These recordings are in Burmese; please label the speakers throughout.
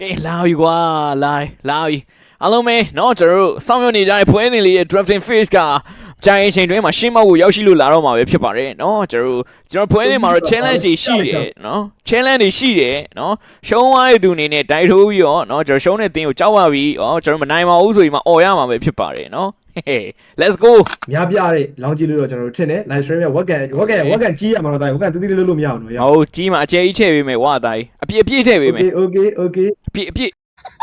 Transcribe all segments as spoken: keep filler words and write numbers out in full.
Speaker 1: ကဲလာပြီကွာလာလာပြီအားလုံးပဲเนาะကျွန်တော်တို့စောင့်မျှော်နေကြတဲ့ပွဲစဉ်လေးရဲ့ drafting phase ကကြာရင်ချိန်တွင်းမှာရှင်းမောက်ကိုရောက်ရှိလို့လာတော့မှာပဲဖြစ်ပါတယ်เนาะကျွန်တော်တို့ကျွန်တော်ပွဲစဉ်မှာတော့ challenge တွေရှိတယ်เนาะ challenge တွေရှိတယ်เนาะရှုံးသွားတဲ့သူအနေနဲ့တိုက်ထိုးပြီးတော့เนาะကျွန်တော်ရှုံးတဲ့တင်းကိုကြောက်ပါပြီဩကျွန်တော်မနိုင်ပါဘူးဆိုပြီးမှអော်ရမှာပဲဖြစ်ပါတယ်เนาะ let's go
Speaker 2: များပြတဲ့လောင်းကြည့်လို့တော့ကျွန်တော်တို့ထင်တယ် live stream ရဲ့ web cam web cam web cam ကြီးရမှာတော့တိုင်း web cam တည်တည်လို့လို့မရအောင်နော်
Speaker 1: ဟုတ်ကြီးမှာအကျဲကြီးထည့်ပေးမယ်ဝါတိုင်းအပြည့်အပြည့်ထည့်ပေးမယ်
Speaker 2: okay okay
Speaker 1: အပြည့်အပြည့်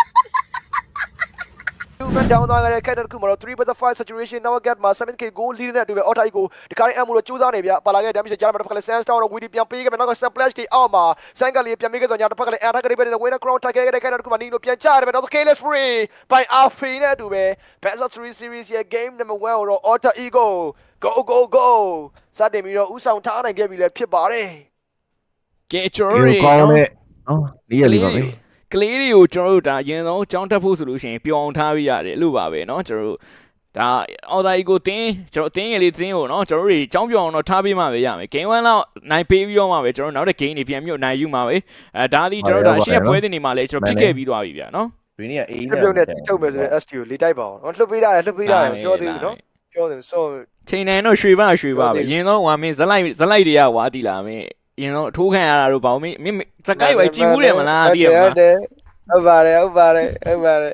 Speaker 3: Movement down သွားခဲ့တဲ့ character တစ်ခုမှာတော့ three versus five saturation now get မှာ seven k goal lead နဲ့အတူပဲ auto ကိုဒီကားရဲ့အမှုတော့ကြိုးစားနေဗျပါလာခဲ့ damage ကြားမှာတစ်ဖက်ကလည်း sand star တော့ weedy ပြန်ပေးခဲ့မယ်နောက်က splash တွေအောက်မှာ sand ကလေးပြန်ပေးခဲ့တော့ညာတစ်ဖက်ကလည်း attack တွေပဲနဲ့ winner crown ထိုက်ခဲ့တဲ့ character တစ်ခုမှာနီလိုပြန်ချရတယ်ပဲနောက် careless free by alpha နဲ့အတူပဲ best of three series ရဲ့ game number one ကိုတော့ auto ego go go go စတင်ပြီးတော့ဥဆောင်ထားနိုင်ခဲ့ပြီလည်းဖြစ်ပါတယ်
Speaker 1: ကဲကျွန်တော်တို့
Speaker 4: ကောင်းတဲ့နော်လေးရလေးပါပဲ
Speaker 1: ကလေးတွေကိုကျွန်တော်တို့ဒါအရင်ဆုံးကြောင်းတက်ဖို့ဆိုလို့ရှိရင်ပျော်အောင်ထားပြရတယ်လို့ပါပဲเนาะကျွန်တော်တို့ဒါအော်ဒါကြီးကိုတင်းကျွန်တော်တင်းရလေးတင်းကိုเนาะကျွန်တော်တို့ကြောင်းပျော်အောင်တော့ထားပေးမှပဲရမယ် game one လောက်နိုင်ပေးပြီးတော့မှပဲကျွန်တော်နောက်တဲ့ game တွေပြန်ပြီးနိုင်ယူမှာပဲအဲဒါဒီကျွန်တော်တို့ဒါရှေ့ပွဲတင်နေမှာလဲကျွန်တော်ဖြစ်ခဲ့ပြီးသွားပြီဗျာเนาะ
Speaker 4: ရင်းနေအေး
Speaker 3: ပြုတ်နဲ့ထုတ်မယ်ဆိုရင် S T ကိုလေးတိုက်ပါအောင်နော်လှုပ်ပေးတာလှုပ်ပေးတာပြောသေးဘူးနော်ပြောတယ်ဆို
Speaker 1: ချိန်နိုင်တော့ရွှေပါရွှေပါပဲအရင်ဆုံးဟွာမင်းဇက်လိုက်ဇက်လိုက်တွေကဝါတီလာမင်းအရင်ဆုံးအထိုးခံရတာတို့ဘာမင်းမင်းစကိုက်ဝဲကြည့်ဘူးတယ်မလားတည်ရမလား
Speaker 3: ဟုတ်ပါတယ်ဟုတ်ပါတယ်ဟုတ်ပါတယ်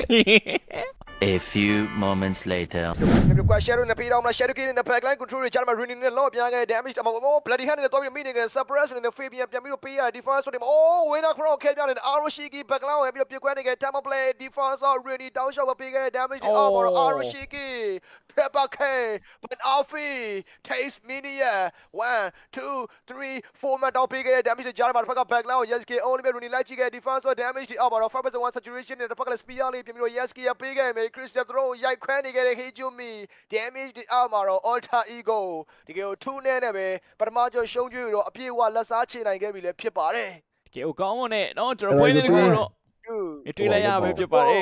Speaker 5: A few moments later
Speaker 3: ဒီကွာ shadow နဲ့ပြေးတော့မလား shadow ကင်းနဲ့ backline control တွေကြားမှာ running နဲ့ lock ပြန်ခဲ့ damage တော့ bloody hand နဲ့တော့ပြီးမိနေတယ် suppress နဲ့ fabian ပြန်ပြီးတော့ပေးရ defense ဆိုတယ် oh winner crown ခဲပြန်တယ် aroshiki backline ကိုပြီးတော့ပြကွဲနေခဲ့ time play defense တော့ really down shot ပေးခဲ့ damage တွေအော်တော့ aroshiki pepper k but alfi taste mania one two three four မှာတော့ပေးခဲ့ damage တွေကြားမှာတစ်ဖက်က backline ကို yeski only ပဲ running လိုက်ကြည့်ခဲ့ defense ဆို damage တွေအော်တော့ five versus one saturation နဲ့တစ်ဖက်ကလည်း spear လေးပြန်ပြီးတော့ yeski ရပေးခဲ့မယ်Christian throw ရိုက်ခွဲနေခဲ့တဲ့ Hejumi damage ဒီအောက်မှာတော့ alter ego ဒီကtwoနဲ့နဲ့ပဲပထမကျော်ရှုံးကျွေးတော့အပြည့်အဝလက်စားချေနိုင်ခဲ့ပြီလည်းဖြစ်ပါတယ်
Speaker 1: ကဲကောင်းမနဲ့เนาะကျွန်တော်ပွဲလေးတခုတော့တွေ့လိုက်ရပဲဖြစ်ပါတယ်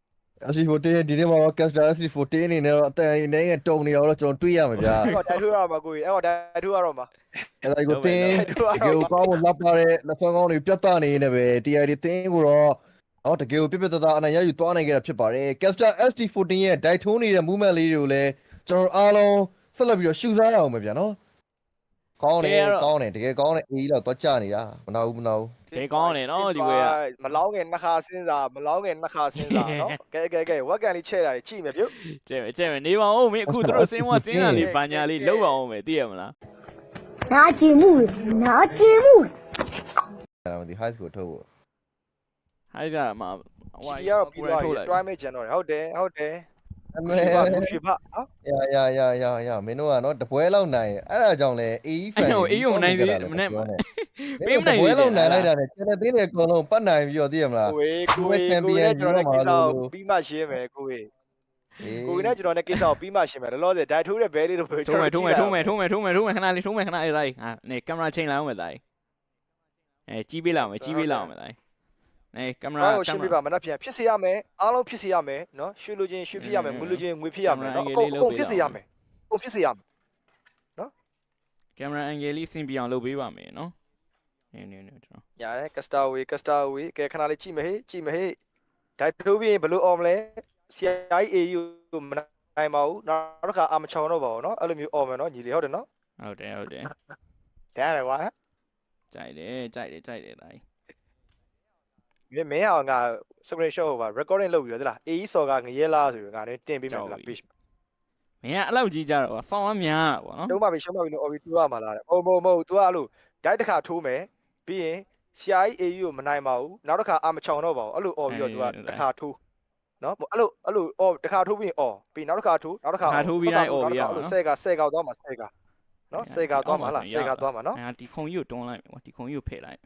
Speaker 4: S C fourteen ဒီနေ့မှာတော့ Caster S C fourteen အနေနဲ့တော့အတန်အနေနဲ့တုံနေအောင်တော့ကျွန်တော်တွေးရမှာဗျာ
Speaker 3: အဲ့တော့တိုက်ထိုးရမှာကိုကြီးအဲ့တော့တိုက်ထိုးရတော့မှာ
Speaker 4: အဲ့ဒါကိုတင်းဒီကိုကောင်းမလက်ပါတဲ့လက်ဖက်ကောင်းတွေပြတ်တနေနေပဲ T I တွေတင်းကိုတော့အော်တကယ်ကိုပြပြတသားအနိုင်ရယူသွားနိုင်ခဲ့တာဖြစ်ပါတယ် Caster S C fourteen ရဲ့ dive ထိုးနေတဲ့ movement လေးတွေကိုလည်းကျွန်တော်အားလုံးဆက်လက်ပြီးတော့ရှူစားရအောင်ပဲဗျာနော်ကောင်းတယ်ကောင်းတယ်တကယ်ကောင်းတယ်အေးတော့သွားကြနေတာမနာဘူးမနာဘူး
Speaker 1: ကဲကောင်းတယ်เนาะဒီပွဲ
Speaker 3: ကမလောင်းငယ်နှစ်ခါစဉ်းစားမလောင်းငယ်နှစ်ခါစဉ်းစားနော်ကဲကဲကဲဝက်ကန်လေးချဲ့တာတွေကြည့်မယ်ပြုတ်
Speaker 1: ကျဲကျဲနေပါဦးမင်းအခုတို့စင်းဝစင်းတာလေးဘာညာလေးလောက်အောင်မယ်သိရမလား
Speaker 6: နာကျင်မှုနာကျင်မှု
Speaker 4: အဲ့ဒါဒီ high school ထုတ်ဖို့
Speaker 1: ဟိုက်ကမှ
Speaker 3: ဟိုရပြီးတော့ try မဲ့ကျန်တော့ဟုတ်တယ်ဟုတ်တယ်
Speaker 4: အမေ
Speaker 3: ဖြေပါနော်
Speaker 4: ရရရရရမင်းတို့ကနော်တပွဲလောက်နိုင်အဲ့ဒါကြောင့်လဲအေး fan
Speaker 1: အေးုံနိုင်သေးမနဲ့ပေးမနိုင်
Speaker 4: ဘူးပွဲလောက်နိုင်လိုက်တာနဲ့ကျန်တဲ့သေးတွေအကုန်လုံးပတ်နိုင်ပြီးတော့သိရမလား
Speaker 3: ကိုယ်ကိုယ်ကိုယ်နဲ့ကျွန်တော်နဲ့ကိစ္စကိုပြီးမှရှင်းမယ်ကိုယ်ကိုယ်နဲ့ကျွန်တော်နဲ့ကိစ္စကိုပြီးမှရှင်းမယ်လောလောဆယ် dive ထိုးတဲ့ bell လေးတို့
Speaker 1: ထိုးမယ်ထိုးမယ်ထိုးမယ်ထိုးမယ်ထိုးမယ်ထိုးမယ်ခဏလေးထိုးမယ်ခဏလေးတိုင်းဟာနေကင်မရာချိန်လိုက်အောင်မယ်တိုင်းအဲကြီးပေးလောက်မယ်ကြီးပေးလောက်မယ်တိုင်းနေကင်မရာ
Speaker 3: ကိုရှင်းပြပါမနှက်ပြန်ဖြစ်စေရမယ်အားလုံးဖြစ်စေရမယ်နော်ရွှေလိုချင်းရွှေဖြစ်ရမယ်ငွေလိုချင်းငွေဖြစ်ရမယ်နော်အကုန်အကုန်ဖြစ်စေရမယ်အကုန်ဖြစ်စေရမယ်နော်
Speaker 1: ကင်မရာအန်ဂယ်လေးဆင်ပြအောင်လုပ်ပေးပါမယ်နော်နေနေနေကျွန်တော်
Speaker 3: ရတယ်ကစတာဝေကစတာဝေကဲခဏလေးကြည့်မဟေးကြည့်မဟေးဒိုက်ထိုးပြီးရင်ဘလို့အော်မလဲ C I A U ကိုမနိုင်ပါဘူးနောက်တစ်ခါအာမချောင်းတော့ပါဘူးနော်အဲ့လိုမျိုးအော်မယ်နော်ညီလေးဟုတ်တယ်နော်
Speaker 1: ဟုတ်တယ်ဟုတ်တယ်
Speaker 3: တဲ့ရတယ်ကွ
Speaker 1: ာကြိုက်တယ်ကြိုက်တယ်ကြိုက်တယ်တိုင်း
Speaker 3: မင်းမင်းအောင်ငါ screenshot ဟိုပါ recording လုပ်ပြီးတော့သလား A E စော်ကငရဲလားဆိုပြီးငါလည်းတင်ပေးမယ်သလား page
Speaker 1: မင်းကအဲ့လောက်ကြီးကြတော့ဖောင်းမများပေါ့နော်
Speaker 3: တုံးပါပြီရှုံးပါပြီလို့ obby တူရမှာလားတဲ့မဟုတ်မဟုတ်မဟုတ် तू ကအဲ့လို dive တစ်ခါထိုးမယ်ပြီးရင် C I A U ကိုမနိုင်ပါဘူးနောက်တစ်ခါအာမချောင်းတော့ပါဘူးအဲ့လို obby တော့ तू ကတစ်ခါထိုးနော်အဲ့လိုအဲ့လို obby တစ်ခါထိုးပြီးရင် obby ပြီးနောက်တစ်ခါထိုးနောက်တစ်ခါ
Speaker 1: ထိုးပြီးတိုင်း obby ရအောင်
Speaker 3: နော်ဆယ်ကဆယ်ကောက်သွားမှာဆယ်ကနော်ဆယ်ကသွားမှာလားဆယ်ကသွားမှာနော်
Speaker 1: ဒီခုံကြီးကိုတွန်းလိုက်မယ်ကွာဒီခုံကြီးကိုဖယ်လိုက်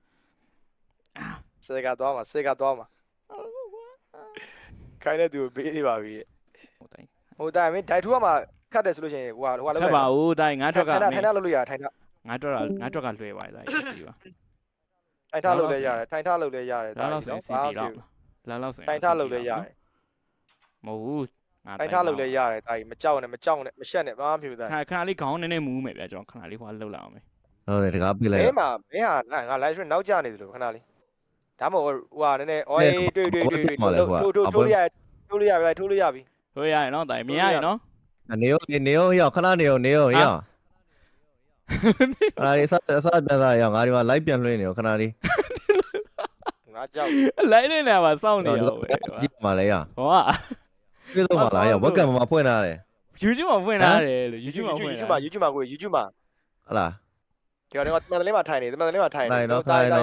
Speaker 3: ဆယ်ကသွားမှာဆယ်ကသွားမှာခိုင်းတဲ့သူကိုပေးနေပါပြီ
Speaker 1: ဟိုတိုင်း
Speaker 3: ဟိုတိုင်းမင်းဒိုက်ထူကမှခတ်တယ်ဆိုလို့ရှိရင်ဟိုဟာဟိုဟာ
Speaker 1: လောက်ပါဦးတိုင်းငါထွက်က
Speaker 3: ထိုင်တာထိုင်တာလုပ်လို့ရတယ်ထိုင်တာ
Speaker 1: ငါတွက်ကငါတွက်ကလွယ်ပါတိုင်းဒီပါ
Speaker 3: ထိုင်ထားလုပ်လဲရတယ်ထိုင်ထားလုပ်လဲရတယ်
Speaker 1: ဒါတော့ဆိုရင်စီပီတော့လာလောက်ဆိုရင်
Speaker 3: ထိုင်ထားလုပ်လဲရတယ်
Speaker 1: မဟုတ်ဘူး
Speaker 3: ငါထိုင်ထားလုပ်လဲရတယ်ဒါကြီးမကြောက်နဲ့မကြောက်နဲ့မရှက်နဲ့ဘာမှမဖြစ်ဘူးဒါ
Speaker 1: ခဏခဏလေးခေါင်းနည်းနည်းမူးမယ်ဗျာကျွန်တော်ခဏလေးဟိုလှုပ်လာအောင်မယ်
Speaker 4: ဟုတ်တယ်တကားပြလိုက်
Speaker 3: မင်းမမင်းဟာငါ live stream နောက်ကျနေသလိုခဏလေးဒါမှမဟုတ်ဟိုဟာနည်းနည်းအော်တွေ့တွေ့တွေ့တွေ့ထိုးထိုးထိုးရထိုးလို့ရပြီထိုးလို့ရပြီ
Speaker 1: ဟိုရရနော်တိုင်မြင်ရရနော်
Speaker 4: နေရောနေရောရောက်ခဏနေရောနေရောရောက်အဲ့ဒီဆက်ဆက်ပြန်စားရောက်ငါဒီမှာ live ပြန်လွှင့်နေရောခဏလေး
Speaker 3: ငါကြောက်
Speaker 1: လိုက်နေတာပါစောင့်နေရောပဲ
Speaker 4: ကြည့်ပါလေရောက်
Speaker 1: ဟောက
Speaker 4: ပြေးတော့ပါလားရောက်ဝက်ကံမှာဖွင့်ထားတယ်
Speaker 1: YouTube မှာဖွင့်ထားတယ်လို့ YouTube မှာဖွင့်
Speaker 3: YouTube
Speaker 1: ထား
Speaker 3: မှာ YouTube မှာကို YouTube မှာ
Speaker 4: ဟလား
Speaker 3: ဒီကတော့တမန်တလင်းမှာထိုင်နေတမန်တလင်းမှာထိုင်နေ
Speaker 1: ဩ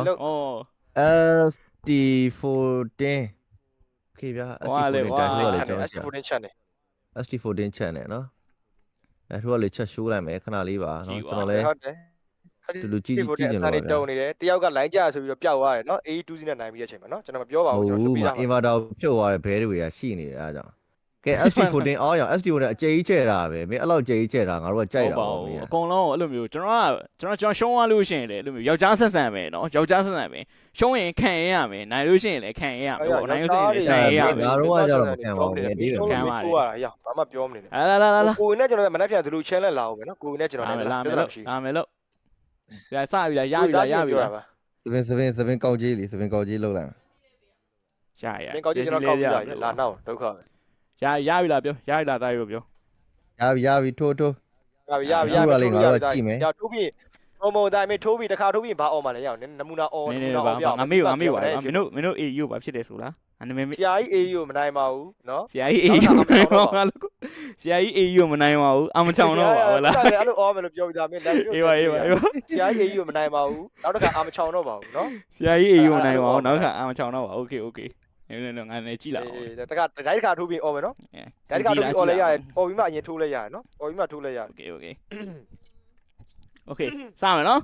Speaker 4: S T fourteen ခေဗျာ S T fourteen တိုင်းလို့လေကျွန်တော်
Speaker 3: S T fourteen channel
Speaker 4: S T fourteen channel နော်အဲထိုကလေချက်ရှိုးလိုက်မယ်ခဏလေးပါနော်ကျွန်တော်လည်း
Speaker 3: ဟုတ်တယ်
Speaker 4: တူတူကြည့်ကြည့်ကြည့်နေ
Speaker 3: အဲ့
Speaker 4: လို့
Speaker 3: ဒီတုံနေတယ်တယောက်ကလိုင်းကြဆိုပြီးတော့ပျောက်သွားတယ်နော် A E two နဲ့နိုင်ပြီးတဲ့အချိန်မှာနော်ကျွန်တော်မပြောပါ
Speaker 4: ဟု
Speaker 3: ဘူး
Speaker 4: တ်
Speaker 3: ကျွန်တော်
Speaker 4: ဘူး
Speaker 3: ပြတာ
Speaker 4: အင်ဗာတာဖြုတ်သွားတဲ့ဘဲတွေကရှိနေတယ်အားကြောင့်ကဲ S T fourteen အော်ရော S T fourteen အကျကြီးကျဲတာပဲမင်းအဲ့လောက်ကျကြီးကျဲတာငါတို့ကကြိုက်တာပေါ့မင်း
Speaker 1: အကုန်လုံးအဲ့လိုမျိုးကျွန်တော်ကကျွန်တော်ကျွန်တော်ရှုံးသွားလို့ရှိရင်လေအဲ့လိုမျိုးယောက်ျားဆက်ဆံမယ်နော်ယောက်ျားဆက်ဆံမယ်ရှုံးရင်ခံရရမယ်နိုင်လို့ရှိရင်လည်းခံရရမယ်ပေါ့နိုင်လို့ရှိရင်လည်းဆန်ရရမယ်
Speaker 4: ငါတို့ကကြတော့မခံပါဘူးဒီလို
Speaker 3: ခံပါလေရဘာမှပြောမနေနဲ့
Speaker 1: လာလာလာလာ
Speaker 3: ကိုနဲ့ကျွန်တော်မနေ့ပြန်သူလူ challenge လာအောင်ပဲနော်ကိုနဲ့ကျွန်တော်
Speaker 1: လာ
Speaker 3: လည်း
Speaker 1: မယ်လာမယ်
Speaker 3: ပြဿနာ
Speaker 1: လို့
Speaker 3: ရှိ
Speaker 1: လာမယ်လို့ရစပြီလားရပြီလားရပြီလား
Speaker 4: စပင်စပင်စပင်ကောက်ကြီးလေစပင်ကောက်ကြီးလောက်လိုက်
Speaker 1: ရရ
Speaker 3: စပင်ကောက်ကြီးကျွန်တော်ကောက်ပြရလာနောက်ဒုက္ခပဲ
Speaker 1: ရရပြီလားပြောရပြီလားတားပြီပြော
Speaker 4: ရပြီရပြီထိုးထိုး
Speaker 3: ရပြီရပြီရပြီရထိုးပြီးဟိုမတိုင်းမထိုးပြီးတခါထိုးပြီးဘာအော်မှလည်းရအောင်နမူနာအော်
Speaker 1: န
Speaker 3: န
Speaker 1: ည်း
Speaker 3: မူ
Speaker 1: နည်း
Speaker 3: နာ
Speaker 1: ပါ
Speaker 3: အော်ပြအောင်
Speaker 1: ငါမေ့ငါမေ့ပါမင်းတို့မင်းတို့ A E ကိုဘာဖြစ်တယ်ဆိုလားအနမေ
Speaker 3: ဆရာကြီး A E ကိုမနိုင်ပါဘူးနော်
Speaker 1: ဆရာကြီး A E ကိုမနိုင်ပါဘူးငါလို့ဆရာကြီး A E ကိုမနိုင်ပါဘူးအမချောင်တော့ပါဟုတ်လား
Speaker 3: အဲ့လိုအော်မယ်လို့ပြောပြတာမင်းလည်း
Speaker 1: အေးပါအေးပါအေးပါ
Speaker 3: ဆရာကြီး A E ကိုမနိုင်ပါဘူးနောက်တစ်ခါအာမချောင်တော့ပါဘူးနော်
Speaker 1: ဆရာကြီး A E ကိုမနိုင်ပါဘူးနောက်ခါအမချောင်တော့ပါโอเคโอเคနည်းနည်းငါလည်းကြည့်လာအောင်
Speaker 3: အေးတခါတခါတခါထိုးပြီးအော်မယ်နော်တခါထိုးပြီးအော်လိုက်ရတယ်အော်ပြီးမှအရင်ထိုးလိုက်ရတယ်နော်အော်ပြီးမှထိုးလိုက်ရတယ်
Speaker 1: โอเคโอเคโอเคစမယ်နော်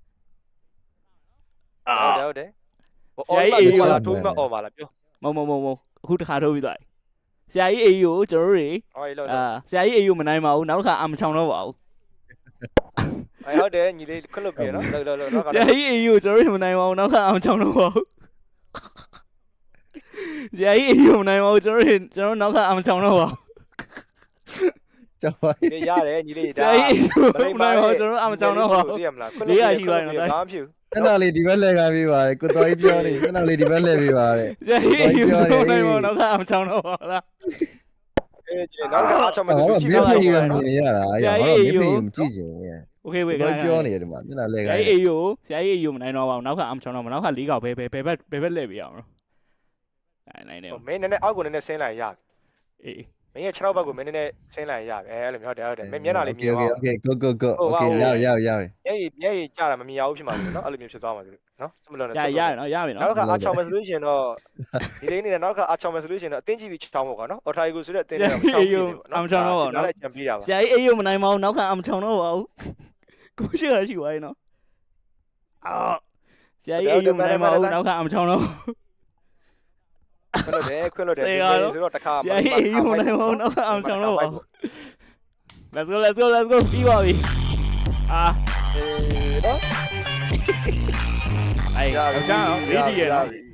Speaker 3: ဟုတ်တယ်ဟုတ်တယ်ဟိုအော်ပြီးမှထိုးပြီးမှအော်ပါလားပြော
Speaker 1: မမမမအခုတစ်ခါထိုးပြီးသွားပြီဆရာကြီး A E ကိုကျွန်တော်တို့တွေ
Speaker 3: အော်ရေလို့
Speaker 1: အာဆရာကြီး A E ကိုမနိုင်ပါဘူးနောက်တစ်ခါအမချောင်တော့ပါဘူး
Speaker 3: အဲဟုတ်တယ်ညီလေးခွတ်လို့ပြေနော်လောလောလော
Speaker 1: ဆရာကြီး A E ကိုကျွန်တော်တို့မနိုင်ပါဘူးနောက်ခါအမချောင်တော့ပါဘူးဆရာကြီး A E ကိုမနိုင်ပါဘူးကျွန်တော်တို့ကျွန်တော်နောက်ခါအမချောင်တော့ပါဘူး
Speaker 4: ကြောက်ပါ
Speaker 3: ပြေရတယ်ညီလေး
Speaker 1: ဆရာကြီး A E ကိုမနိုင်ပါဘူးကျွန်တော်အမချောင်တော့ပါဘူး
Speaker 3: သိရမလားခွတ်လို့ဘာမှဖြစ်
Speaker 4: အဲ့နာလေးဒီဘက်လဲခံပြီးပါတယ်ကိုတော်ကြီးပြောနေအဲ့နာလေးဒီဘက်လဲပြီးပါတယ်
Speaker 1: ဆရာကြီး A E ကိုမနိုင်ပါဘူးနောက်ခါအမချောင်တော့ပါလား
Speaker 3: အေးညီနောက်တစ်ခါအချောင်မဲ့သူကြည့်
Speaker 4: မျက်
Speaker 3: ပါ
Speaker 4: နှာ
Speaker 3: ဦး
Speaker 4: ကြီးမြင်ရတာအဲ့ဒါမျက်နှာကြီးမကြည့်ချင်ဘူး
Speaker 1: โอเคဝေး
Speaker 4: ကို
Speaker 1: ခဏ
Speaker 4: ပြောနေတယ်ဒီမှာမျက်နှာလဲ
Speaker 1: ဆ
Speaker 4: ခံ
Speaker 1: ရာကြီး A E ကိုဆရာကြီး A E ကိုမနိုင်တော့ပါဘူးနောက်ခါအမချောင်တော့ပါနောက်ခါလေးកောက်ဘယ်ဘယ်ဘယ်ဘက်ဘယ်ဘက်လဲပြရအောင်နိုင်နိုင်တယ်
Speaker 3: မင်းနည်းနည်းအောက်ကိုနည်းနည်းဆင်းလိုက်ရပြီ
Speaker 1: အေး
Speaker 3: မင်းရဲ့ခြေထောက်ဘက်ကိုမင်းနည်းနည်းဆင်းလိုက်ရပြီအဲအဲ့လိုမျိုးဟုတ်တယ်ဟုတ်တယ်မင်းမျက်နှာလေးမြင်အောင်
Speaker 4: โอเค go go go โอเคရရရရ
Speaker 3: မျက်ရည်မျက်ရည်ကြတာမမြင်အောင်ဖြစ်မှာလို့နော်အဲ့လိုမျိုးဖြစ်သွားမှာလို့နော်စမလို့နဲ့
Speaker 1: ရရနော်ရပြီနော်
Speaker 3: နောက်တစ်ခါအချောင်မဲ့ဆိုလို့ရှိရင်တော့ဒီလေးနေနဲ့နောက်တစ်ခါအချောင်မဲ့ဆိုလို့ရှိရင်တော့အတင်းကြည့်ပြီးချောင်းပေါ့ကွာနော်အော်ထိုင်ကိုဆိုတဲ့အတင်းနဲ့ချောင်းပြီးတယ်ပေါ့နော်လည်းကြံပြီးတာပါ
Speaker 1: ဆရာကြီး A E ကိုမနိုင်ပါဘူးနောက်ခါအမချောင်တော့ပါဘူးကိုရှိရရှိသွားရင်နော်အော်ဆရာကြီး A E ကိုမနိုင်ပါဘူးနောက်ခါအမချောင်တော့
Speaker 3: ခွင့်လို့တယ်ခွင့်လို့တယ်ဒီလိုဆိုတော့တစ်ခါ
Speaker 1: ဆရာကြီး A E ကိုမနိုင်ပါဘူးနောက်ခါအမချောင်တော့ပါဘူး Let's go let's go let's go ပြီးပါပြီအာ
Speaker 3: အေးနော်
Speaker 1: အဲ့ကြောင်နော်
Speaker 3: ရ
Speaker 1: eighty ရနော်
Speaker 3: ပြီ